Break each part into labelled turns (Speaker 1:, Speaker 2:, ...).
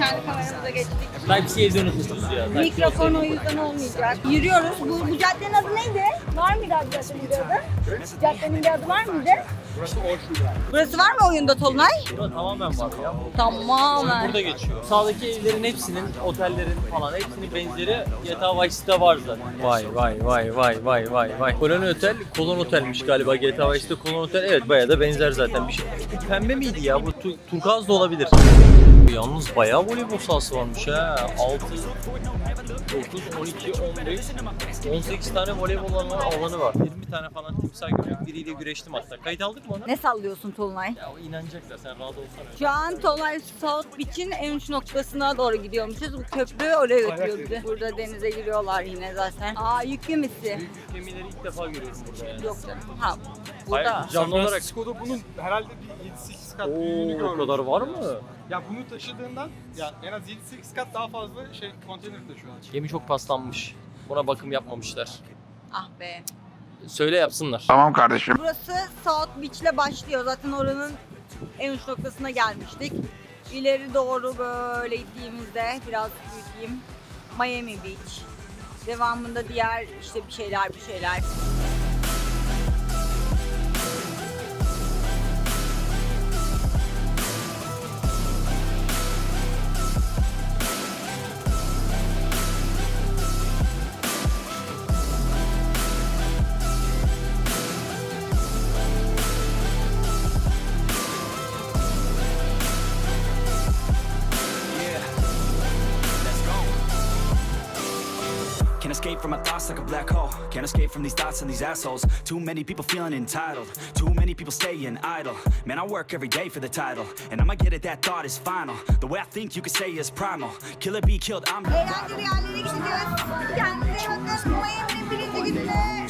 Speaker 1: kendi kameramıza geçtik.
Speaker 2: Type-C'ye evde unutmuşuz ya.
Speaker 1: Mikrofon o yüzden olmayacak. Yürüyoruz. Bu caddenin adı neydi? Var mıydı abi caddenin bir adı? Caddenin bir adı var mıydı? Burası var mı oyunda Tolunay?
Speaker 2: Burada tamamen var ya.
Speaker 1: Tamamen.
Speaker 2: Burada geçiyor. Sağdaki evlerin hepsinin, otellerin falan hepsinin benzeri GTA Vice City'de var zaten. Vay. Kolon Otel'miş galiba GTA Vice City Kolon Otel. Evet bayağı da benzer zaten bir şey. Bu pembe miydi ya? Bu turkuaz da olabilir. Yalnız bayağı voleybol sahası varmış ha. 6, 9, 12, 15, 18 tane voleybol alanı var. 20 tane falan timsah gördüm. Biriyle güreştim hatta. Kayıt aldık mı onu?
Speaker 1: Ne sallıyorsun Tolunay?
Speaker 2: Ya o inanacaklar. Sen rahat olsana.
Speaker 1: Şu an Tolunay South Beach'in en uç noktasına doğru gidiyormuşuz. Bu köprü oraya götürüyor bizi. Burada denize giriyorlar yine zaten. Aa yük gemisi.
Speaker 2: Büyük gemileri ilk defa görüyorum burada yani.
Speaker 1: Yok canım. Ha burada.
Speaker 2: Hayır, canlı olarak.
Speaker 3: Francisco'da bunun herhalde bir 7-8 kat büyüğünü
Speaker 2: Oo,
Speaker 3: gördüm.
Speaker 2: o kadar var mı?
Speaker 3: Ya bunu taşıdığından ya en az 7-8 kat daha fazla konteyner taşıyorlar.
Speaker 2: Gemi çok paslanmış. Buna bakım yapmamışlar.
Speaker 1: Ah be.
Speaker 2: Söyle yapsınlar.
Speaker 4: Tamam kardeşim.
Speaker 1: Burası South Beach'le başlıyor. Zaten oranın en uç noktasına gelmiştik. İleri doğru böyle gittiğimizde biraz büyüteyim. Miami Beach. Devamında diğer işte bir şeyler.
Speaker 5: Can't escape from my thoughts like a black hole. Can't escape from these thoughts and these assholes. Too many people feeling entitled. Too many people staying idle. Man, I work every day for the title. And I'ma get it, that thought is final. The way I think you could say is primal. Kill it, be killed, I'm
Speaker 1: Eğlenceli yerlere gidiyoruz. Kendinize bakın. Miami'nin birinci gününde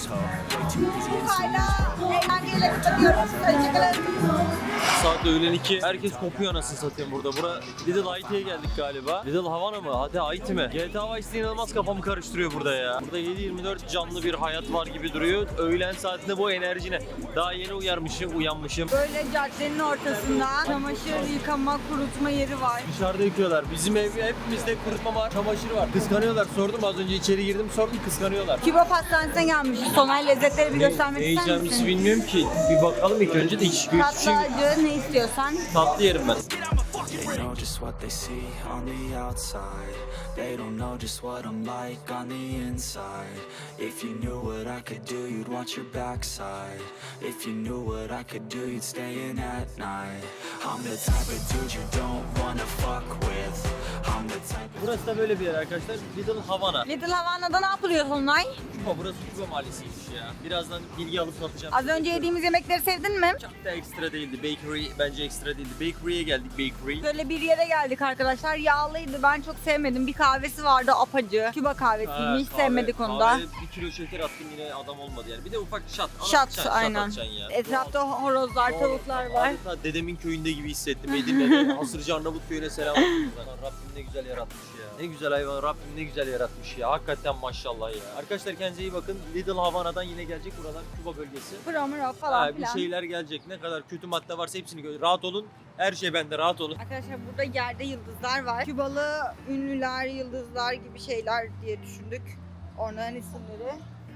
Speaker 1: Kuka'yla eğlenceyle kapatıyoruz. Hoşçakalın.
Speaker 2: Saat öğlen 2. Herkes kopuyor anasını satayım burada. Bura Little Haiti'ye geldik galiba. Little Havana mı? Hadi Haiti mi? GTA Vice City inanılmaz kafamı karıştırıyor burada ya. Burada 7/24 canlı bir hayat var gibi duruyor. Öğlen saatinde bu enerji ne? Daha yeni uyanmışım.
Speaker 1: Böyle caddenin ortasında çamaşır yıkama, kurutma yeri var.
Speaker 2: Dışarıda yıkıyorlar. Bizim hepimizde kurutma var, çamaşır var. Kıskanıyorlar. Sordum az önce içeri girdim sordum kıskanıyorlar.
Speaker 1: Küba pastanesine gelmişiz. Sonay lezzetleri bir göstermek
Speaker 2: Ne
Speaker 1: ister
Speaker 2: yiyeceğimizi
Speaker 1: misin?
Speaker 2: bilmiyorum ki. Bir bakalım ilk önce de hiç şey
Speaker 1: Tatlı acı ne istiyorsan.
Speaker 2: tatlı yerim ben.
Speaker 5: They know just what they see on the outside. They don't know just what I'm like on the inside. If you knew what I could do, you'd watch your backside. If you knew what I could do, you'd stay in at night. I'm the type of dude you don't wanna fuck with. I'm the type of...
Speaker 2: Burası da böyle bir yer arkadaşlar. Little Havana.
Speaker 1: Little Havana'da ne yapılıyor Sonay?
Speaker 2: Küba, burası Küba mahallesiymiş ya. Birazdan bilgi alıp satacağım.
Speaker 1: Az önce yediğimiz yemekleri sevdin mi?
Speaker 2: Çok da ekstra değildi. Bakery bence ekstra değildi. Bakery'e geldik bakery.
Speaker 1: Böyle bir yere geldik arkadaşlar. Yağlıydı. Ben çok sevmedim. Bir kahvesi vardı apacı. Küba kahvesiymiş. Hiç sevmedik onu da.
Speaker 2: Kahve, 1 kilo şeker attım yine adam olmadı yani. Bir de ufak şat.
Speaker 1: Şat aynen.
Speaker 2: atacaksın ya.
Speaker 1: Etrafta horozlar, tavuklar var.
Speaker 2: Adeta dedemin köyünde gibi hissettim. Edirne'de Hasırcı Arnavut köyüne selam olsun. Rabbim ne güzel yaratmış ya. Ne güzel hayvan, Rabbim ne güzel yaratmış ya. Hakikaten maşallah ya. Arkadaşlar kendinize iyi bakın. Little Havana'dan yine gelecek buralar Küba bölgesi.
Speaker 1: Pramura falan
Speaker 2: Bir
Speaker 1: filan.
Speaker 2: şeyler gelecek. Ne kadar kötü madde varsa hepsini görün. Rahat olun. Her şey bende, rahat olun.
Speaker 1: Arkadaşlar burada yerde yıldızlar var. Kübalı ünlüler, yıldızlar gibi şeyler diye düşündük. Onların isimleri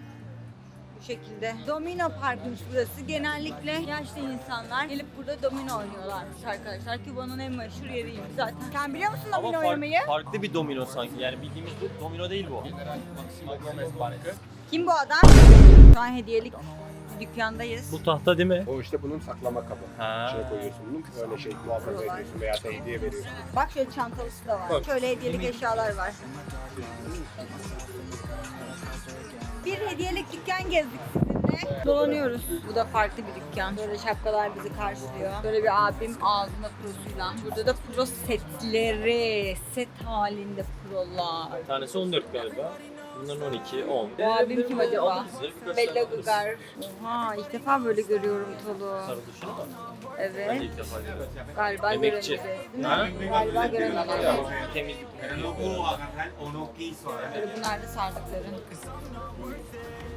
Speaker 1: bu şekilde. Domino Park'mış burası. Genellikle yaşlı insanlar gelip burada domino oynuyorlarmış arkadaşlar. Küba'nın en meşhur yeriymiş zaten. Sen biliyor musun domino oynamayı?
Speaker 2: Farklı bir domino sanki. Yani bildiğimiz bu domino değil bu.
Speaker 1: Kim bu adam? Şu an hediyelik dükkandayız.
Speaker 2: Bu tahta değil mi?
Speaker 6: O işte bunun saklama kabı.
Speaker 2: Ha.
Speaker 6: İçine koyuyorsun bunu, böyle şey muhafaza ediyorsun veya da hediye veriyorsun.
Speaker 1: Bak şöyle çantalısı da var. Şöyle hediyelik eşyalar var. Bir hediyelik dükkan gezdik sizinle. Dolanıyoruz. Bu da farklı bir dükkan. Böyle şapkalar bizi karşılıyor. Böyle bir abim ağzında prosuyla. Burada da pro setleri. Set halinde prolar.
Speaker 2: Bir tanesi 14 galiba. Bunların 12, 10.
Speaker 1: Bu abim kim acaba?
Speaker 2: Alırız,
Speaker 1: Bella
Speaker 2: alırız.
Speaker 1: Gugar. Oha ilk defa böyle görüyorum Tolu.
Speaker 2: Sarılışını mı? Ben de
Speaker 1: Evet.
Speaker 2: ilk defa görüyorum.
Speaker 1: Galiba
Speaker 2: Emekçi.
Speaker 1: göremeyeceğiz. Değil
Speaker 2: Ha?
Speaker 1: mi? Galiba göremeyeceğiz.
Speaker 2: Temizlik.
Speaker 1: Böyle bunlar da sardıkları.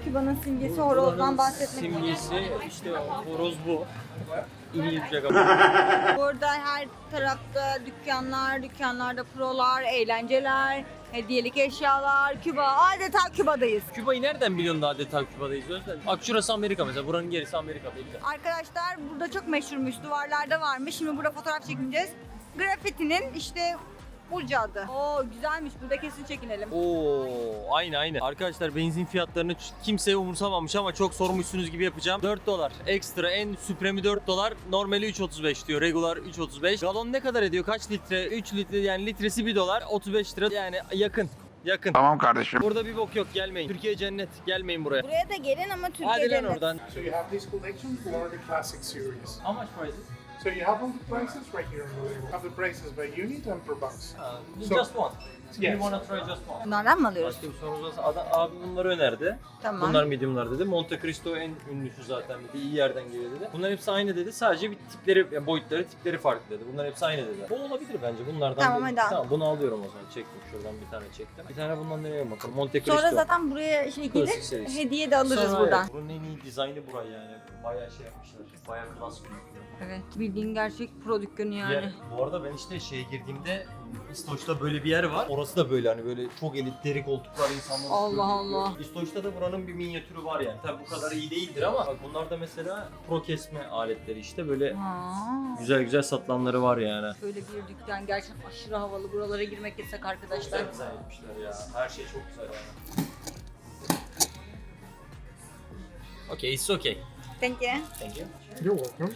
Speaker 1: Küba'nın simgesi horozdan bahsetmek
Speaker 2: Simgesi işte horoz bu. İngilizce ama.
Speaker 1: Burada her tarafta dükkanlarda prolar, eğlenceler, hediyelik eşyalar, Küba. Adeta Küba'dayız.
Speaker 2: Küba'yı nereden biliyorsun da adeta Küba'dayız? Bak şurası Amerika mesela. Buranın gerisi Amerika belli.
Speaker 1: Arkadaşlar burada çok meşhurmuş, duvarlarda varmış. Şimdi burada fotoğraf çekineceğiz. Grafitinin işte Burcu adı. Oo güzelmiş, burada kesin çekinelim.
Speaker 2: Oo, aynı. Arkadaşlar benzin fiyatlarını kimseye umursamamış ama çok sormuşsunuz gibi yapacağım. 4 dolar. Ekstra en süpremi 4 dolar. Normali 3.35 diyor. Regular 3.35. Galon ne kadar ediyor? Kaç litre? 3 litre yani litresi 1 dolar. 35 lira yani yakın.
Speaker 4: Tamam kardeşim.
Speaker 2: Burada bir bok yok, gelmeyin. Türkiye cennet. Gelmeyin buraya.
Speaker 1: Buraya da gelin ama
Speaker 2: Hadi
Speaker 1: Türkiye'de
Speaker 2: lan oradan.
Speaker 6: So you have these collections, Florida Classic Series.
Speaker 2: How much price?
Speaker 6: So you have all the prices right here on the label. Have the prices by unit and per box.
Speaker 2: Just one.
Speaker 6: Yes.
Speaker 2: You wanna try just one?
Speaker 1: Bunlardan mı alıyoruz?
Speaker 2: Başka bir sorunuz varsa abi bunları önerdi.
Speaker 1: Tamam.
Speaker 2: Bunlar mediumlar dedi. Monte Cristo en ünlüsü zaten dedi. İyi yerden geliyor dedi. Bunların hepsi aynı dedi. Sadece bir tipleri, yani boyutları, tipleri farklı dedi. Bunların hepsi aynı dedi. Bu olabilir bence bunlardan.
Speaker 1: Tamam,
Speaker 2: dedi.
Speaker 1: hadi al.
Speaker 2: Tamam bunu alıyorum o zaman. Çektim şuradan bir tane çektim. Bir tane bundan deneyelim bakalım. Monte Cristo.
Speaker 1: Sonra zaten buraya şey gelir,
Speaker 2: Klasik serisi.
Speaker 1: hediye de alırız
Speaker 2: Sonra
Speaker 1: buradan.
Speaker 2: Buranın en iyi dizaynı burayı yani. Bayağı şey yapmışlar. Bayağı klas bir.
Speaker 1: Evet, bildiğin gerçek pro dükkanı yani.
Speaker 2: Bu arada ben işte şeye girdiğimde İstoç'ta böyle bir yer var. Orası da böyle hani böyle çok elit deri koltuklar insanlar.
Speaker 1: Allah Allah.
Speaker 2: İstoç'ta da buranın bir minyatürü var yani. Tabii bu kadar iyi değildir ama bak bunlar da mesela pro kesme aletleri işte böyle
Speaker 1: Ha.
Speaker 2: güzel satılanları var yani.
Speaker 1: Böyle bir dükkan gerçekten aşırı havalı. Buralara girmek yasak arkadaşlar.
Speaker 2: Güzel etmişler ya. Her şey çok güzel yani. Okay, it's okay.
Speaker 1: Thank you.
Speaker 2: Thank you.
Speaker 6: You're welcome.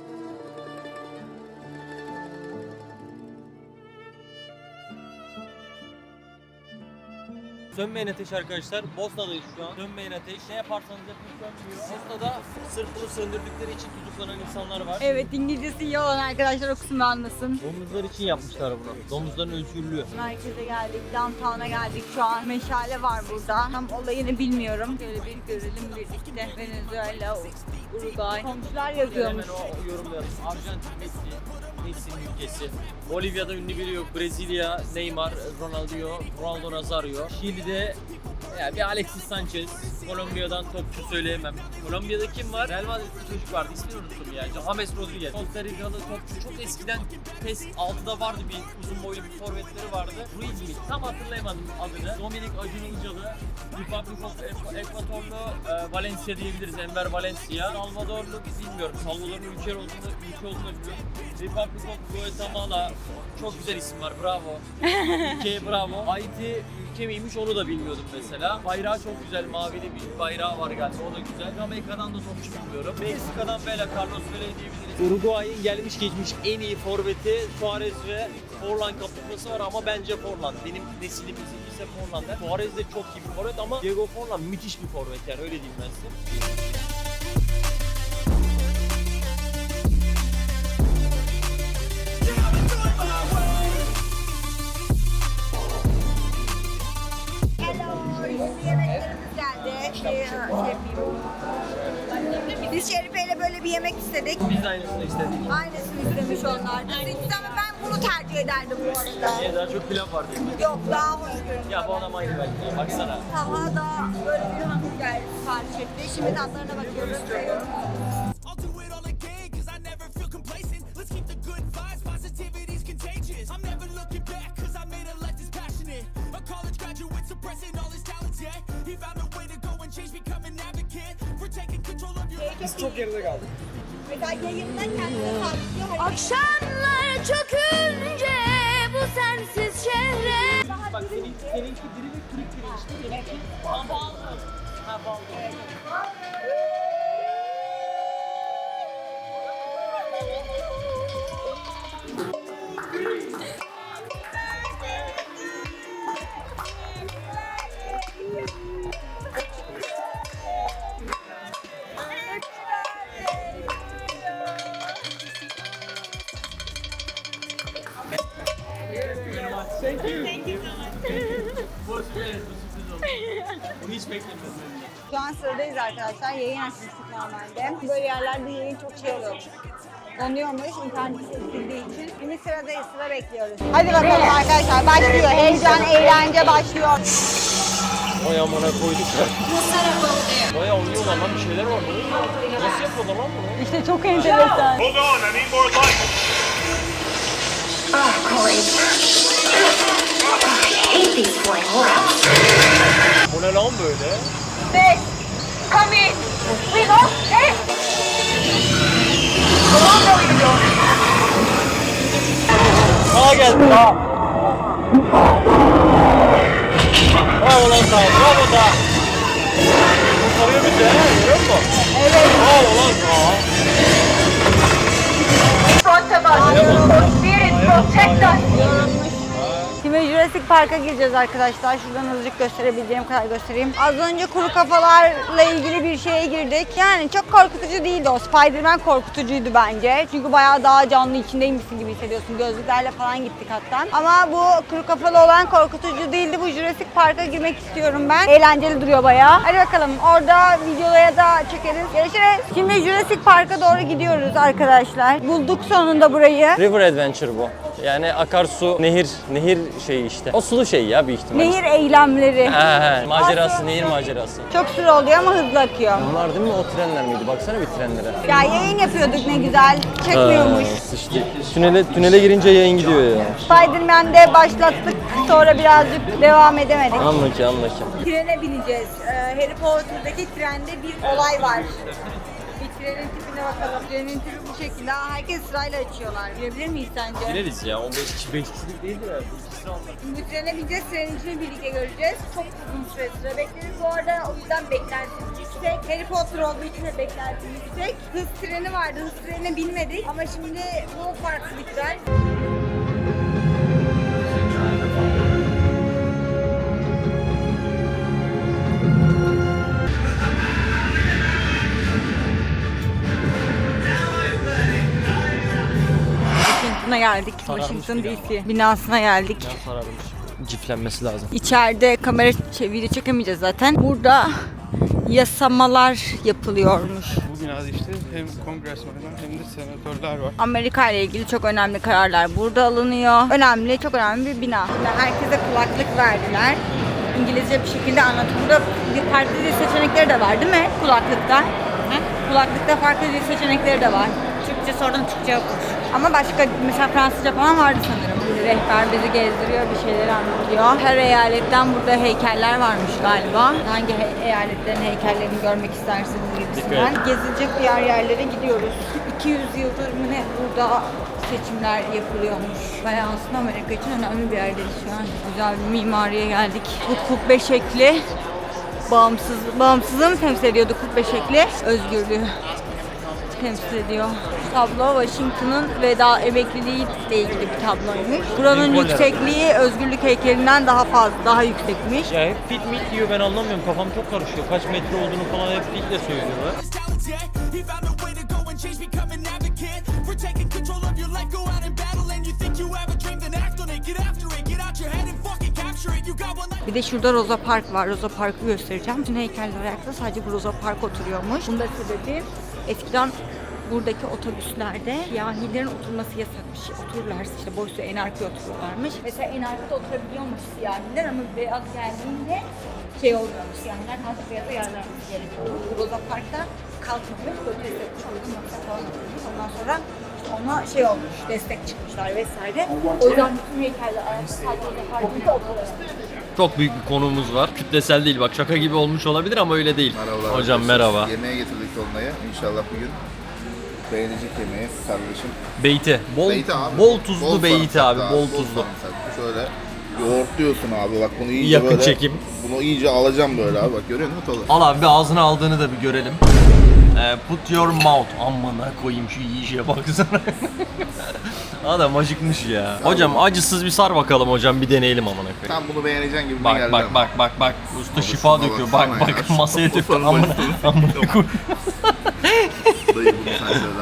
Speaker 2: Sönmeyen ateş arkadaşlar. Bosna'dayız şu an. Sönmeyen ateş. Ne yaparsanız yapın sönmüyor. Bosna'da sırf bunu söndürdükleri için tutuklanan insanlar var.
Speaker 1: Evet, İngilizcesi iyi olan arkadaşlar o kısmı anlasın.
Speaker 2: Domuzlar için yapmışlar bunu. Domuzların ölçülüğü.
Speaker 1: Merkeze geldik, downtown'a geldik şu an. Meşale var burada. Tam olayını bilmiyorum. Şöyle bir görelim birlikte. Venezuela, Uruguay. Komşular yazıyormuş.
Speaker 2: Hemen o yorumlayalım. Arjantin, Messi'nin ülkesi. Bolivya'da ünlü biri yok. Brezilya, Neymar, Ronaldo Nazario. Şili'de ya bir Alexis Sanchez. Kolombiya'dan topçu söyleyemem. Kolombiya'da kim var? Real Madrid'de çocuk vardı. İsmini unuttum ya. James Rodriguez. Costa Rica'da topçu. Çok eskiden PES 6'da vardı bir uzun boylu bir forvetleri vardı. Ruiz mi? Tam hatırlayamadım adını. Dominic Acun Ilıcalı. Republic of Ecuadorlu Valencia diyebiliriz. Enver Valencia. Salvadorlu bilmiyorum. Salvador'un ülke olduğunu biliyorum. Republic of Guatemala. Çok güzel isim var. Bravo. Ülkeye bravo. Haiti ülke miymiş onu da bilmiyordum mesela. Bayrağı çok güzel. Mavili bir bayrağı var galiba. O da güzel. Jamaika'dan da topçu bilmiyorum. Meksika'dan Vela, Carlos Vela diyebiliriz. Uruguay'ın gelmiş geçmiş en iyi forveti Suarez ve Forlan kapışması var ama bence Forlan. Benim nesilimizin ise Forlan der. Suarez de çok iyi bir forvet ama Diego Forlan müthiş bir forvet yani öyle diyeyim ben size.
Speaker 1: Yemeklerimiz geldi. Biz Şerife ile böyle bir yemek istedik.
Speaker 2: Biz de aynısını istedik.
Speaker 1: Aynısını istemiş onlar. Biz ama ben bunu tercih ederdim bu arada.
Speaker 2: Niye daha çok pilav var diye.
Speaker 1: Yok, daha hoş görünüyor.
Speaker 2: Ya bu adam aynı belki. Baksana.
Speaker 1: Taha da böyle bir hamburger sipariş etti. Şimdi tatlarına bakıyoruz.
Speaker 7: I'll do it all again, cause I never feel complacent. Let's keep the good vibes, positivity's contagious. I'm never looking back, cause I made a life that's passionate. A college graduate suppressing all his talents, yeah. He found a way to go and change, become an advocate. For taking control of your life.
Speaker 3: Biz çok geride kaldık.
Speaker 1: Mesela yayında kendine sabitlıyor.
Speaker 8: Akşamlar çökünce bu sensiz şehre.
Speaker 2: Bak seninki diri ve kırık diri işte. Seninki ballı. Ha ballı. Bunu hiç beklemiyordum.
Speaker 1: Şu an sıradayız arkadaşlar. Yayın açmıştık normalde. Böyle yerlerde yayın çok şey oluyormuş. Donuyormuş internet kesildiği için. Şimdi sıradayız, sıra bekliyoruz. Hadi bakalım arkadaşlar, başlıyor. Heyecan, eğlence başlıyor.
Speaker 2: Vay amına koyduk ya. Bayağı oynuyorlar lan, bir şeyler var burada. Nasıl yapıyorlar lan bunu?
Speaker 1: İşte çok enteresan.
Speaker 6: Hold on, I need more light.
Speaker 2: Bu ne lan böyle?
Speaker 8: Come in. We lost it.
Speaker 2: Sağa geldi sağa. Bravo lan sağa, bravo sağa. Kurtarıyor bizi he, görüyor musun? Evet. Bravo lan sağa.
Speaker 8: Front of us. Spirit protect us.
Speaker 1: Şimdi Jurassic Park'a gireceğiz arkadaşlar. Şuradan azıcık gösterebildiğim kadar göstereyim. Az önce kuru kafalarla ilgili bir şeye girdik. Yani çok korkutucu değildi o. Spider-Man korkutucuydu bence. Çünkü bayağı daha canlı içindeymişsin gibi hissediyorsun. Gözlüklerle falan gittik hatta. Ama bu kuru kafalı olan korkutucu değildi. Bu Jurassic Park'a girmek istiyorum ben. Eğlenceli duruyor bayağı. Hadi bakalım. Orada videoya da çekeriz. Görüşürüz. Şimdi Jurassic Park'a doğru gidiyoruz arkadaşlar. Bulduk sonunda burayı.
Speaker 2: River Adventure bu. Yani akarsu, nehir şeyi işte. O sulu şey ya büyük ihtimalle.
Speaker 1: Nehir eylemleri.
Speaker 2: Macerası, nehir macerası.
Speaker 1: Çok süre oluyor ama hızlı akıyor.
Speaker 2: Bunlar değil mi? O trenler miydi? Baksana bir trenlere.
Speaker 1: Ya yayın yapıyorduk ne güzel. Çekmiyormuş.
Speaker 2: İşte tünele girince yayın gidiyor ya.
Speaker 1: Spider-Man'de başlattık. Sonra birazcık devam edemedik.
Speaker 2: Anla ki.
Speaker 1: Trene bineceğiz. Harry Potter'daki trende bir olay var. Bir trenin tipine bakalım. Trenin tipi bu şekilde. Herkes sırayla açıyorlar. Girebilir miyiz sence?
Speaker 2: Gireriz ya. 15 kişi 5 kişilik değildir ya.
Speaker 1: Şimdi bu trene bineceğiz. Trenin içini birlikte göreceğiz. Çok uzun süre sıra bekleriz. Bu arada o yüzden beklentimiz yüksek. Harry Potter olduğu için de beklentimiz yüksek. Hız treni vardı. Hız trenine binmedik. Ama şimdi bu farklı bir tren. Washington'a geldik. Washington DC binasına geldik.
Speaker 2: Ciflenmesi lazım.
Speaker 1: İçeride kamera video çekemeyeceğiz zaten. Burada yasamalar yapılıyormuş.
Speaker 3: Bu binada işte hem kongresmenler hem de senatörler var.
Speaker 1: Amerika ile ilgili çok önemli kararlar burada alınıyor. Önemli, çok önemli bir bina. Şimdi herkese kulaklık verdiler. İngilizce bir şekilde anlatımda farklı dil seçenekleri de var değil mi kulaklıkta? Kulaklıkta farklı dil seçenekleri de var. Türkçe sordum, Türkçe yokmuş. Ama başka mesela Fransızca falan vardı sanırım. Rehber bizi gezdiriyor, bir şeyler anlatıyor. Her eyaletten burada heykeller varmış galiba. Hangi eyaletlerin heykellerini görmek istersiniz gibisinden. Gezilecek diğer yerlere gidiyoruz. 200 yıldır mı ne burada seçimler yapılıyormuş. Bayağı aslında Amerika için önemli bir yerdeyiz şu an. Güzel bir mimariye geldik. Bu kubbe şekli bağımsızlığı mı temsil ediyordu kubbe şekli? Özgürlüğü temsil ediyor. Bu tablo Washington'ın veda emekliliği ile ilgili bir tabloymuş. Buranın yüksekliği Özgürlük heykelinden daha yüksekmiş.
Speaker 2: Ya hep fit mit diyor, ben anlamıyorum, kafam çok karışıyor. Kaç metre olduğunu falan hep fitle söylüyorlar.
Speaker 7: He found a way to go and change, become an advocate for taking control of your life. Go out and battle, and you think you have a dream, then act on it. Get after it, get out your head and fucking capture it. You got one life.
Speaker 1: Bir de şurada Rosa Park var. Rosa Park'ı göstereceğim. Bütün heykeller ayakta, sadece bu Rosa Park oturuyormuş. Bunun da sebebi eskiden buradaki otobüslerde siyahilerin oturması yasakmış. Otururlarsa işte boşta en arkaya oturuyorlarmış. Mesela en arkada oturabiliyormuş siyahiler ama beyaz geldiğinde şey olmuyormuş. Siyahiler kalkıp beyaza yerlermiş gerekiyor. Bu Rosa Park'ta kalkmamış, protest etmiş. O yüzden masa falan oturmuş. Ondan sonra işte ona şey olmuş, destek çıkmışlar vesaire. O yüzden bütün heykeller ayakta sadece Rosa Park'ta oturuyor.
Speaker 2: Çok büyük bir konuğumuz var. Kütlesel değil, bak şaka gibi olmuş olabilir ama öyle değil.
Speaker 4: Merhabalar.
Speaker 2: Hocam merhaba.
Speaker 4: Yemeğe getirdik dolmayı. İnşallah bugün beğenecek yemeği kardeşim.
Speaker 2: Beyti.
Speaker 4: Beyti abi.
Speaker 2: Bol tuzlu beyti
Speaker 4: sarımsaklı
Speaker 2: abi, bol tuzlu.
Speaker 4: sarımsaklı. Şöyle yoğurtluyorsun abi, bak bunu iyice
Speaker 2: Yakın
Speaker 4: böyle.
Speaker 2: çekim.
Speaker 4: Bunu iyice alacağım böyle abi, bak görüyor musun tadı?
Speaker 2: Al abi, bir ağzına aldığını da bir görelim. Put your mouth. Amına koyayım şu yiyişe baksana. Adam acıkmış ya. Hocam acısız bir sar bakalım hocam, bir deneyelim amına koyayım.
Speaker 4: Sen bunu beğeneceksin gibi
Speaker 2: Bak
Speaker 4: geldi
Speaker 2: bak
Speaker 4: ama.
Speaker 2: bak. Usta
Speaker 4: Abi
Speaker 2: şifa
Speaker 4: şuna
Speaker 2: döküyor.
Speaker 4: baksana
Speaker 2: Bak
Speaker 4: ya.
Speaker 2: bak masaya
Speaker 4: Şuna
Speaker 2: döküyor.
Speaker 4: baksana.
Speaker 2: Amına koy.
Speaker 4: Dayı bunu sen söyle.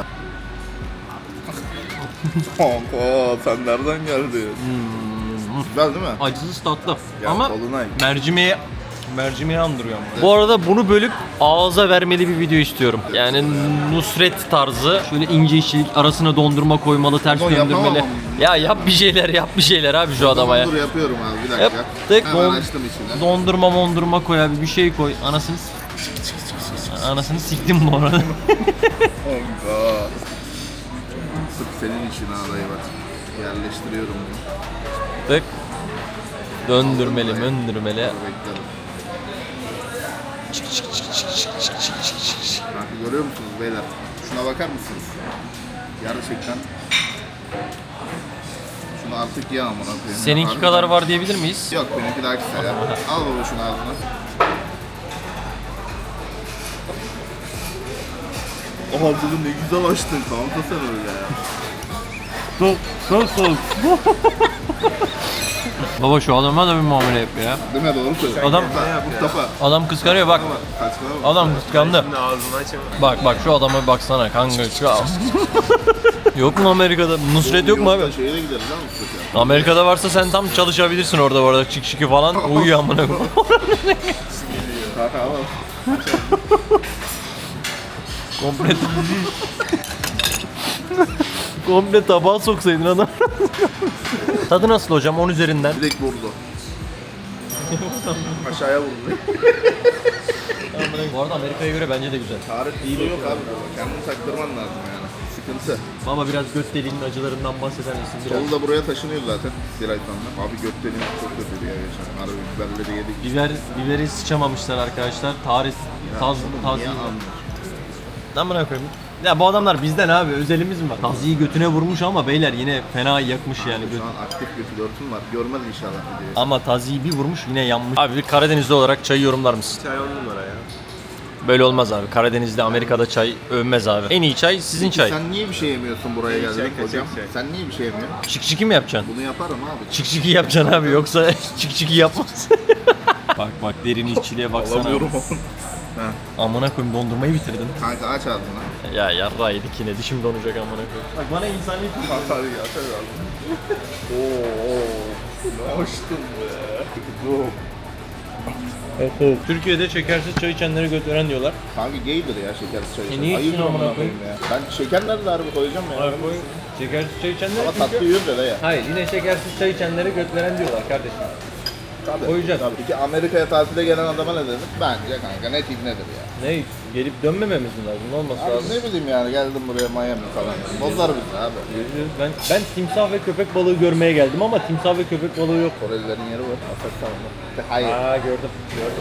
Speaker 4: Kanka sen nereden geldin? Güzel değil mi?
Speaker 2: Acısız tatlı.
Speaker 4: Ya,
Speaker 2: ama
Speaker 4: Dolunay.
Speaker 2: mercimeği Mercimeği andırıyor ama. Bu arada bunu bölüp ağza vermeli bir video istiyorum. Yani Nusret tarzı. Şöyle ince işçilik, arasına dondurma koymalı, ters
Speaker 4: Ama yapamam
Speaker 2: döndürmeli.
Speaker 4: ama.
Speaker 2: Ya yap bir şeyler abi şu adama ya.
Speaker 4: Dur yapıyorum abi bir dakika.
Speaker 2: Yaptık.
Speaker 4: Hemen açtım içine.
Speaker 2: Dondurma koy abi, bir şey koy. Anasını siktim bu arada.
Speaker 4: Allah. Sırf senin için ha dayı bak. Yerleştiriyorum bunu.
Speaker 2: Tık. Döndürmeli.
Speaker 4: Bekledim. Kanka görüyor musunuz beyler? Şuna bakar mısınız? Gerçekten. Şunu artık ye amına koyayım.
Speaker 2: Seninki
Speaker 4: Harbiden.
Speaker 2: kadar var diyebilir miyiz?
Speaker 4: Yok benimki daha kısa ya. Al baba şunu ağzına. Ağzını ne güzel açtın kanka sen öyle ya.
Speaker 2: Soğuk. Baba şu adama da bir muamele yap ya.
Speaker 4: Değil mi doğru söylüyorsun.
Speaker 2: Adam-
Speaker 4: Mustafa.
Speaker 2: Adam kıskanıyor bak.
Speaker 4: Saçmalama.
Speaker 2: Adam kıskandı. Bak şu adama baksana kanka. Yok mu Amerika'da? Nusret yok mu abi?
Speaker 4: Şeye de gideriz lan Mustafa.
Speaker 2: Amerika'da varsa sen tam çalışabilirsin orada bu arada. Çık falan. Uyuyor amına koyayım.
Speaker 4: Kanka al.
Speaker 2: Komple tabağa soksaydın adam. Tadı nasıl hocam 10 üzerinden?
Speaker 4: Direkt vurdu. Aşağıya vurdu.
Speaker 2: Bu arada Amerika'ya göre bence de güzel.
Speaker 4: Tarih iyi yok abi. Kendini taktırman lazım yani. Sıkıntı.
Speaker 2: Baba biraz göt deliğinin acılarından bahseder misin biraz?
Speaker 4: Solu da buraya taşınıyor zaten bir ay sonra. Abi göt deliğim çok kötüydü ya geçen. Harbi biberleri yedik.
Speaker 2: Biberi sıçamamışlar arkadaşlar. Taz.
Speaker 4: Niye anlıyor?
Speaker 2: Amına koyayım. Ya bu adamlar bizden abi, özelimiz mi var? Taziyi götüne vurmuş ama beyler yine fena yakmış yani.
Speaker 4: Şu an aktif bir flörtüm var. Görmez inşallah videoyu.
Speaker 2: Ama taziyi bir vurmuş yine yanmış. Abi bir Karadenizli olarak çayı yorumlar mısın?
Speaker 3: Çay 10 numara ya.
Speaker 2: Böyle olmaz abi. Karadeniz'de, Amerika'da çay övmez abi. En iyi çay sizin çay.
Speaker 4: Sen niye bir şey yemiyorsun buraya
Speaker 3: İyi
Speaker 4: geldin
Speaker 3: çay,
Speaker 4: hocam?
Speaker 3: kaçak çay.
Speaker 4: Sen niye bir şey yemiyorsun?
Speaker 2: Çık mi yapacaksın?
Speaker 4: Bunu yaparım abi.
Speaker 2: Çık yapacaksın abi, yoksa çık yapmaz. bak derin işçiliğe baksana.
Speaker 4: Alamıyorum onu.
Speaker 2: Amına koyayım, dondurmayı bitirdin.
Speaker 4: Kanka aç ağzını.
Speaker 2: Ya yarrağı yedik yine, dişim donacak amına koyayım. Bak bana insani
Speaker 4: Atar ya atar ağzını. Ne hoştun be.
Speaker 2: Türkiye'de şekersiz çay içenleri götüren diyorlar.
Speaker 4: Kanka gaydir ya şekersiz çay içen.
Speaker 2: niye
Speaker 4: Ayıp
Speaker 2: içtin amına
Speaker 4: amına
Speaker 2: koyayım?
Speaker 4: ya. Ben şeker nerede harbi koyacağım ya.
Speaker 2: Şekersiz çay içenleri
Speaker 4: Ama tatlı yiyor da ya.
Speaker 2: Hayır, yine şekersiz çay içenleri götüren diyorlar kardeşim.
Speaker 4: Tabii.
Speaker 2: Koyacağız.
Speaker 4: Tabii. Peki Amerika'ya tatile gelen adama ne dedik? Bence kanka net nedir ya.
Speaker 2: Ne? Gelip dönmememiz mi lazım? Ne olması
Speaker 4: Abi
Speaker 2: lazım?
Speaker 4: ne bileyim yani geldim buraya Miami falan. Bozlar bizi abi.
Speaker 2: Ben timsah ve köpek balığı görmeye geldim ama timsah ve köpek balığı yok.
Speaker 4: Korelilerin yeri var. Afet tamam. Hayır.
Speaker 2: Gördüm.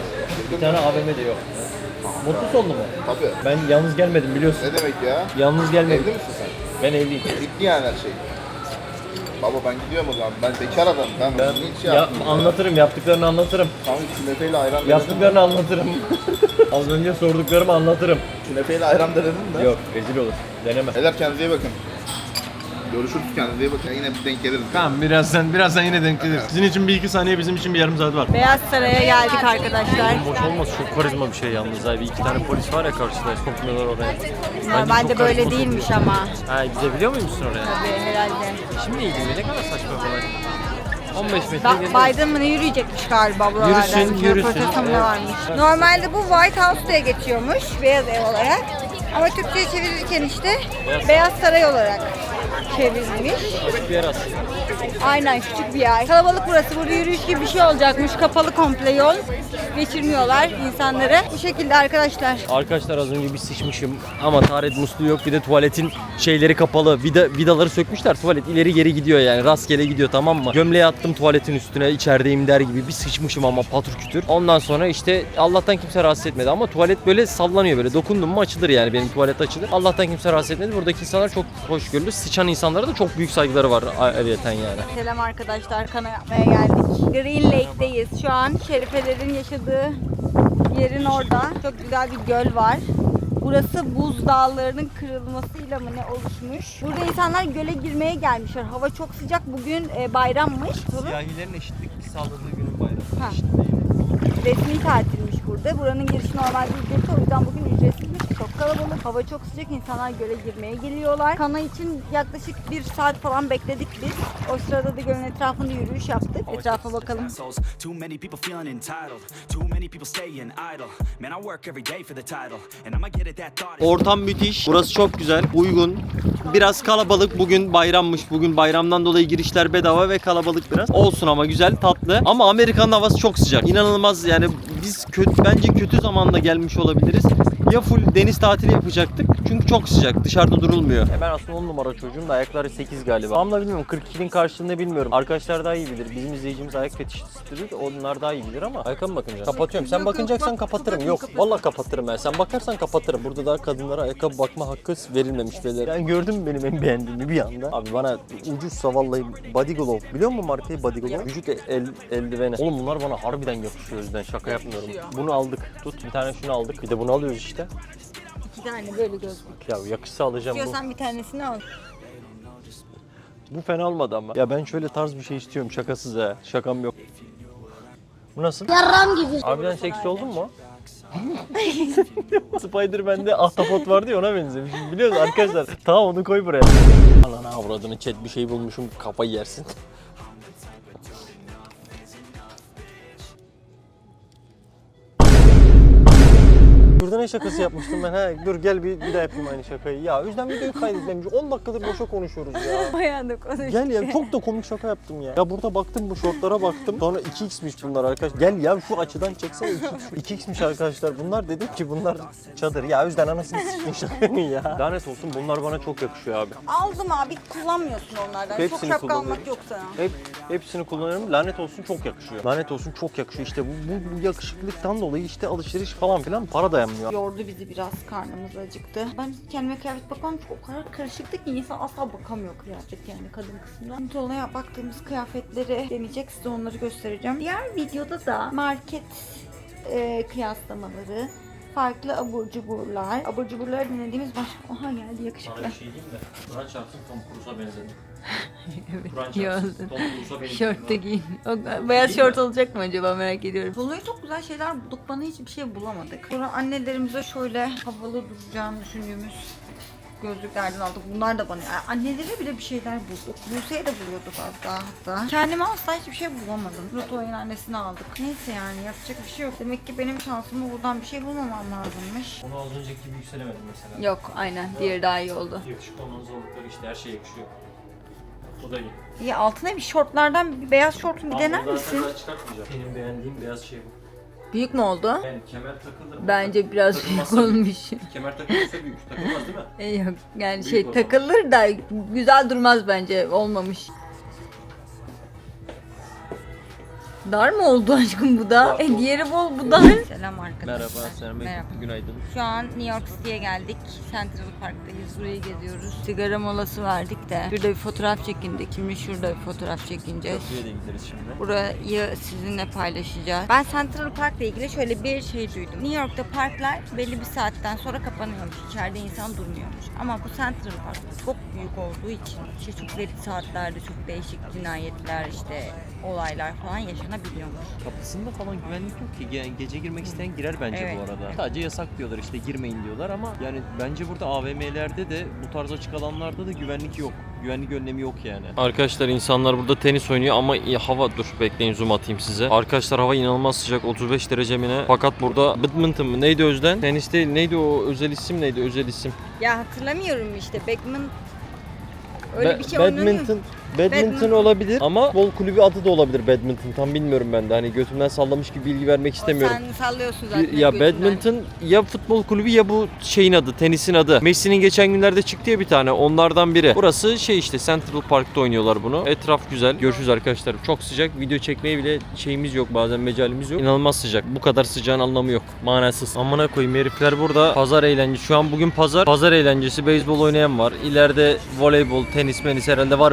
Speaker 2: Bir tane AVM'de yok. Mutlu sonlu mu?
Speaker 4: Tabii.
Speaker 2: Ben yalnız gelmedim biliyorsun.
Speaker 4: Ne demek ya?
Speaker 2: Yalnız gelmedim.
Speaker 4: Evli misin sen?
Speaker 2: Ben evliyim.
Speaker 4: Bitti yani her şey. Baba ben gidiyorum o zaman. Ben bekar adamım. Ben hiç
Speaker 2: Anlatırım, yaptıklarını anlatırım.
Speaker 4: Kanka künefeyle ayran
Speaker 2: Yaptıklarını anlatırım. Az önce sorduklarımı anlatırım.
Speaker 4: Künefeyle ayran denedim de.
Speaker 2: Yok, rezil olur. Deneme.
Speaker 4: Beyler kendinize iyi bakın. Görüşürüz, kendinize iyi bakın. Yine bir denk geliriz.
Speaker 2: Tamam, birazdan yine denk geliriz. Sizin için bir iki saniye, bizim için bir yarım saat var.
Speaker 1: Beyaz Saray'a geldik arkadaşlar.
Speaker 2: Boş olmaz, çok karizma bir şey yalnız abi. İki tane polis var ya karşıda, sokmuyorlar oraya.
Speaker 1: Normalde
Speaker 2: çok
Speaker 1: böyle
Speaker 2: karizma
Speaker 1: değilmiş
Speaker 2: sokuyor.
Speaker 1: ama.
Speaker 2: Ha, gidebiliyor muymuşsun oraya?
Speaker 1: Tabii herhalde.
Speaker 2: Şimdi iyi değil, ne kadar saçma falan. 15 metre gezeriz.
Speaker 1: Biden mı ne yürüyecekmiş galiba buralardan.
Speaker 2: Yürüsün.
Speaker 1: Röportajı mı ne varmış. Normalde bu White House diye geçiyormuş, Beyaz Ev olarak. Ama Türkçe'ye çevirirken işte Beyaz Saray olarak çevrilmiş.
Speaker 2: Bir yer aslında.
Speaker 1: Aynen, küçük bir yer. Kalabalık burası. Burada yürüyüş gibi bir şey olacakmış. Kapalı komple yol. Geçirmiyorlar insanları. Bu şekilde arkadaşlar.
Speaker 2: Arkadaşlar az önce bir sıçmışım ama taharet musluğu yok, bir de tuvaletin şeyleri kapalı, vidaları sökmüşler, tuvalet ileri geri gidiyor yani, rastgele gidiyor, tamam mı? Gömleği attım tuvaletin üstüne, içerideyim der gibi bir sıçmışım ama patır kütür. Ondan sonra işte Allah'tan kimse rahatsız etmedi ama tuvalet böyle sallanıyor, böyle dokundum mu açılır yani, benim tuvalet açılır. Allah'tan kimse rahatsız etmedi. Buradaki insanlar çok hoşgörülü, sıçan insanlara da çok büyük saygıları var ayrıyeten yani.
Speaker 1: Selam arkadaşlar, kana yapmaya geldik. Green Lake'deyiz. Şu an Şerifelerin yaşadığı yerin orada. Çok güzel bir göl var. Burası buz dağlarının kırılmasıyla mı ne oluşmuş. Burada insanlar göle girmeye gelmişler. Hava çok sıcak. Bugün bayrammış.
Speaker 2: Siyahilerin eşitlik sağladığı günün bayramı.
Speaker 1: Ha. Resmi tatilmiş burada. Buranın girişi normalde ücretli. O yüzden bugün ücretsizmiş. çok kalabalık. Hava çok sıcak. İnsanlar göle girmeye geliyorlar. Kana için yaklaşık 1 saat falan bekledik biz. O sırada da gölün etrafında yürüyüş yaptık. Etrafa bakalım.
Speaker 5: Too many people feeling entitled. Too many people staying idle. Man, I work every day for the title. And I'ma get it that thought.
Speaker 2: Ortam müthiş. Burası çok güzel, uygun. Biraz kalabalık. Bugün bayrammış. Bugün bayramdan dolayı girişler bedava ve kalabalık biraz. Olsun ama güzel, tatlı. Ama Amerika'nın havası çok sıcak. İnanılmaz yani biz bence kötü zamanda gelmiş olabiliriz. Ya full deniz tatili yapacaktık çünkü çok sıcak, dışarıda durulmuyor. Ben aslında 10 numara çocuğum da ayakları 8 galiba. Tam da bilmiyorum, 42'nin karşılığını bilmiyorum. Arkadaşlar daha iyi bilir. Bizim izleyicimiz ayak fetişistidir. Onlar daha iyi bilir ama ayakkabı bakınca. Kapatıyorum. Sen bakacaksan kapatırım. Yok, vallahi kapatırım ben. Sen bakarsan kapatırım. Burada daha kadınlara ayakkabı bakma hakkı verilmemiş beyler. Ben gördüm mü benim en beğendiğimi bir anda. Abi bana ucuzsa vallahi Body Glove. Biliyor musun markayı Body Glove? Vücut eldiveni. Oğlum bunlar bana harbiden yakışıyor o yüzden şaka yapmıyorum. Bunu aldık. Tut bir tane şunu aldık. Bir de bunu alıyoruz işte.
Speaker 1: 2 tane böyle gözlük.
Speaker 2: Ya yakışsa alacağım bu.
Speaker 1: İstiyorsan bir tanesini al.
Speaker 2: Bu fena olmadı ama. Ya ben şöyle tarz bir şey istiyorum şakasız ha. Şakam yok. Bu nasıl?
Speaker 1: Yarram gibi.
Speaker 2: Harbiden seksi oldun mu? Spider-Man'de ahtapot vardı ya ona benzemiş. Biliyorsunuz arkadaşlar. Tamam onu koy buraya. Anana avradını chat bir şey bulmuşum kafayı yersin. Burada ne şakası yapmıştım ben ha? Dur gel bir daha yapayım aynı şakayı. Ya o yüzden videoyu kaydetmemiş. 10 dakikadır boşa konuşuyoruz ya.
Speaker 1: Bayağı da konuştuk.
Speaker 2: Gel ya çok da komik şaka yaptım ya. Ya burada baktım bu şortlara baktım. Sonra 2x'miş bunlar arkadaş. Gel ya şu açıdan çeksene 2x'miş arkadaşlar. Bunlar dedim ki bunlar çadır. Ya o yüzden anasını sıçtın şakanın ya. Lanet olsun bunlar bana çok yakışıyor abi.
Speaker 1: Aldım abi, kullanmıyorsun onlardan.
Speaker 2: Hepsini
Speaker 1: çok şapka
Speaker 2: kullanıyorum.
Speaker 1: almak yok sana.
Speaker 2: Hepsini kullanıyorum. Lanet olsun çok yakışıyor. Lanet olsun çok yakışıyor. İşte bu yakışıklıktan dolayı işte alışveriş falan filan para dayanmıyor.
Speaker 1: Yordu bizi biraz, karnımız acıktı. Ben kendime kıyafet bakmam çünkü o kadar karışıktı ki insan asla bakamıyor kıyafet, yani kadın kısmından. Tolunay'a baktığımız kıyafetleri deneyecek, size onları göstereceğim. Diğer videoda da market kıyaslamaları, farklı abur cuburlar. Abur cuburları denediğimiz Oha geldi yakışıklı.
Speaker 2: Sana bir şey diyeyim mi? Kur'an çarpsın Tom Cruise'a benzedim.
Speaker 1: Evet,
Speaker 2: Kur'an
Speaker 1: iyi
Speaker 2: çarpsın
Speaker 1: oldu.
Speaker 2: Tom Cruise'a benzedim.
Speaker 1: Şort da giyin. Beyaz şort olacak mı acaba, merak ediyorum. Tolunay'a çok güzel şeyler bulduk, bana hiçbir şey bulamadık. Sonra annelerimize şöyle havalı duracağını düşündüğümüz gözlüklerden aldık. Bunlar da bana. Yani annelere bile bir şeyler bulduk. Buse'ye de buluyorduk az daha hatta. Kendime asla hiçbir şey bulamadım. Roto'nun annesini aldık. Neyse yani yapacak bir şey yok. Demek ki benim şansıma buradan bir şey bulmamam lazımmış.
Speaker 2: Onu az önceki gibi yükselemedim mesela.
Speaker 1: Yok aynen. Diğeri daha iyi oldu.
Speaker 2: Yakışıklı olmanın zorlukları işte her şey yakışıyor. O da iyi.
Speaker 1: İyi, altına bir şortlardan bir beyaz şortunu bir dener misin?
Speaker 2: Çıkartmayacağım. Benim beğendiğim beyaz şey bu.
Speaker 1: Büyük mü oldu?
Speaker 2: Yani kemer takılır mı?
Speaker 1: Bence biraz büyük
Speaker 2: Takılmazsa
Speaker 1: olmuş.
Speaker 2: Kemer takılırsa büyük. Takılmaz değil mi?
Speaker 1: Yok yani
Speaker 2: Büyük
Speaker 1: şey
Speaker 2: o zaman.
Speaker 1: takılır da güzel durmaz bence, olmamış. Dar mı oldu aşkım bu da?
Speaker 2: Dar.
Speaker 1: Diğeri bol, bu dar. Selam arkadaşlar.
Speaker 2: Merhaba, selam.
Speaker 1: Merhaba.
Speaker 2: Günaydın.
Speaker 1: Şu an New York City'ye geldik. Central Park'tayız. Burayı geziyoruz. Sigara molası verdik de. Şurada bir fotoğraf çekindik. Şimdi şurada bir fotoğraf çekineceğiz.
Speaker 2: Köprüye de gideriz şimdi.
Speaker 1: Burayı sizinle paylaşacağız. Ben Central Park'la ilgili şöyle bir şey duydum. New York'ta parklar belli bir saatten sonra kapanıyormuş. İçeride insan durmuyormuş. Ama bu Central Park çok büyük olduğu için işte çok belli saatlerde çok değişik cinayetler, işte olaylar falan yaşanabiliyormuş.
Speaker 2: Kapısında falan güvenlik yok ki. Gece girmek isteyen girer bence
Speaker 1: Evet.
Speaker 2: bu arada. Sadece yasak diyorlar işte girmeyin diyorlar ama yani bence burada AVM'lerde de bu tarz açık alanlarda da güvenlik yok. Güvenlik önlemi yok yani. Arkadaşlar insanlar burada tenis oynuyor ama hava dur bekleyin zoom atayım size. Arkadaşlar hava inanılmaz sıcak 35 derece mi ne? Fakat burada badminton mı neydi Özden? Tenis değil neydi o özel isim neydi özel isim?
Speaker 1: Ya hatırlamıyorum işte. Beckman öyle bir şey oynanıyor.
Speaker 2: Badminton olabilir ama futbol kulübü adı da olabilir badminton. Tam bilmiyorum ben de. Hani götümden sallamış gibi bilgi vermek istemiyorum.
Speaker 1: Sen sallıyorsun zaten.
Speaker 2: Ya
Speaker 1: götünden.
Speaker 2: badminton ya futbol kulübü ya bu şeyin adı, tenisin adı. Messi'nin geçen günlerde çıktı ya bir tane. Onlardan biri. Burası şey işte Central Park'ta oynuyorlar bunu. Etraf güzel. Görüşürüz arkadaşlar. Çok sıcak. Video çekmeye bile şeyimiz yok. Bazen mecalimiz yok. İnanılmaz sıcak. Bu kadar sıcağın anlamı yok. Manasız. Amına koyayım herifler burada. Pazar eğlencesi. Şu an bugün pazar. Pazar eğlencesi. Beyzbol oynayan var. İleride voleybol, tenis, menis herhalde var bir şeyler.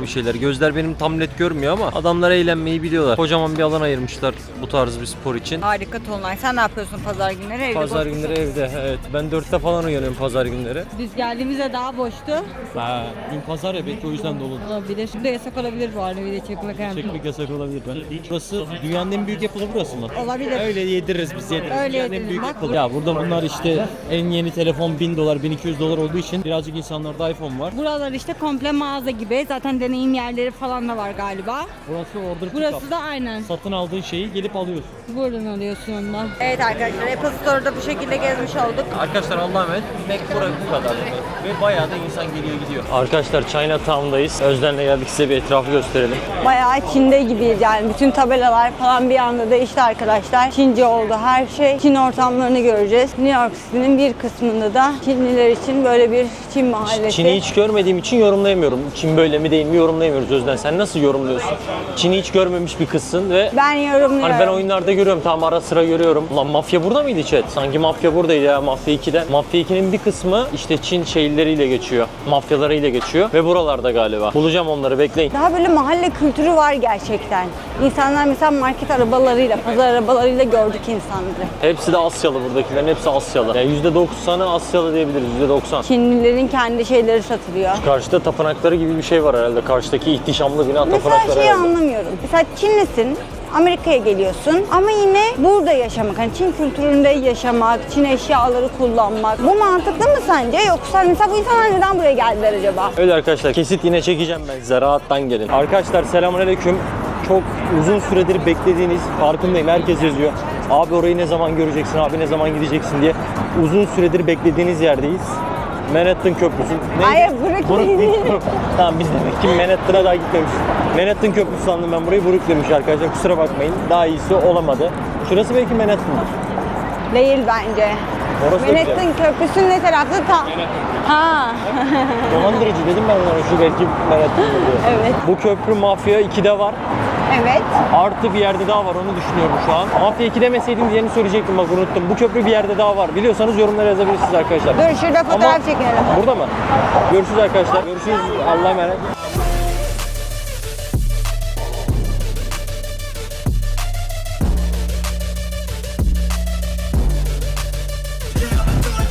Speaker 2: Gözler benim tam net görmüyor ama adamlar eğlenmeyi biliyorlar. Kocaman bir alan ayırmışlar bu tarz bir spor için.
Speaker 1: Harika Tolunay. Sen ne yapıyorsun pazar günleri? Evde
Speaker 2: Pazar
Speaker 1: boş
Speaker 2: günleri
Speaker 1: musun?
Speaker 2: evde. Evet. Ben 4'te falan uyanıyorum pazar günleri.
Speaker 1: Biz geldiğimizde daha boştu.
Speaker 2: Ha, dün pazar ya belki o yüzden dolu.
Speaker 1: Olabilir. Şimdi yasak olabilir bu arada video çekmek.
Speaker 2: Çekmek yasak olabilir. Burası dünyanın en büyük yapılı burası mı?
Speaker 1: Olabilir.
Speaker 2: Öyle yediririz biz yediririz.
Speaker 1: Öyle
Speaker 2: Dünyanın en
Speaker 1: yediririz.
Speaker 2: büyük
Speaker 1: Bak
Speaker 2: yapılı. Ya burada bunlar işte en yeni telefon $1000, $1200 olduğu için birazcık insanlarda iPhone var.
Speaker 1: Buralar işte komple mağaza gibi. Zaten deneyim yerleri falan da var galiba.
Speaker 2: Burası order
Speaker 1: Burası
Speaker 2: pickup.
Speaker 1: da aynen.
Speaker 2: Satın aldığın şeyi gelip alıyorsun.
Speaker 1: Buradan alıyorsun ondan. Evet arkadaşlar Apple Store'da bu şekilde gezmiş olduk.
Speaker 2: Arkadaşlar Allah'a emanet. Mac Pro bu kadar. Ve bayağı da insan geliyor gidiyor. Arkadaşlar Chinatown'dayız. Özden'le geldik, size bir etrafı gösterelim.
Speaker 1: Bayağı Çin'de gibiyiz yani. Bütün tabelalar falan bir anda değişti arkadaşlar. Çince oldu her şey. Çin ortamlarını göreceğiz. New York City'nin bir kısmında da Çinliler için böyle bir Çin mahallesi.
Speaker 2: Çin'i hiç görmediğim için yorumlayamıyorum. Çin böyle mi değil mi yorumlayamıyoruz Özden. Sen nasıl yorumluyorsun? Çin'i hiç görmemiş bir kızsın ve
Speaker 1: Ben yorumluyorum.
Speaker 2: hani ben oyunlarda görüyorum, tamam ara sıra görüyorum. Ulan mafya burada mıydı chat? Sanki mafya buradaydı ya, Mafya 2'de. Mafya 2'nin bir kısmı işte Çin şehirleriyle geçiyor. Mafyalarıyla geçiyor ve buralarda galiba. Bulacağım onları, bekleyin.
Speaker 1: Daha böyle mahalle kültürü var gerçekten. İnsanlar mesela market arabalarıyla, pazar arabalarıyla gördük insanları.
Speaker 2: Hepsi de Asyalı buradakilerin, hepsi Asyalı. Yani %90'ı Asyalı diyebiliriz, %90.
Speaker 1: Çinlilerin kendi şeyleri satılıyor.
Speaker 2: Karşıda tapınakları gibi bir şey var herhalde. Karşıdaki ihtişamlı bina
Speaker 1: Mesela
Speaker 2: tapınakları
Speaker 1: şeyi
Speaker 2: herhalde.
Speaker 1: anlamıyorum. Mesela Çinlisin, Amerika'ya geliyorsun ama yine burada yaşamak, hani Çin kültüründe yaşamak, Çin eşyaları kullanmak. Bu mantıklı mı sence? Yoksa mesela bu insanlar neden buraya geldiler acaba?
Speaker 2: Öyle arkadaşlar, kesit yine çekeceğim ben size, rahattan gelin. Arkadaşlar selamünaleyküm. Çok uzun süredir beklediğiniz, farkındayım herkes yazıyor. Abi orayı ne zaman göreceksin, abi ne zaman gideceksin diye. Uzun süredir beklediğiniz yerdeyiz. Manhattan Köprüsü. Neydi?
Speaker 1: Hayır, Brooklyn.
Speaker 2: Tamam biz demek ki Manhattan'a daha gitmemişiz. Manhattan Köprüsü sandım ben burayı, Brooklyn'miş arkadaşlar, kusura bakmayın. Daha iyisi olamadı. Şurası belki Manhattan'dır.
Speaker 1: Değil bence.
Speaker 2: Orası da güzel.
Speaker 1: Manhattan Köprüsü'nün ne tarafta? Ha.
Speaker 2: Dolandırıcı dedim ben onlara, şu belki Manhattan'dır diye.
Speaker 1: Evet.
Speaker 2: Bu köprü Mafya 2'de var.
Speaker 1: Evet.
Speaker 2: Artı bir yerde daha var, onu düşünüyorum şu an. Mafya 2 demeseydin diğerini söyleyecektim, bak unuttum. Bu köprü bir yerde daha var. Biliyorsanız yorumlara yazabilirsiniz arkadaşlar.
Speaker 1: Dur şurada fotoğraf
Speaker 2: Ama-
Speaker 1: çekelim.
Speaker 2: Burada mı? Görüşürüz arkadaşlar. Görüşürüz. Allah'a emanet.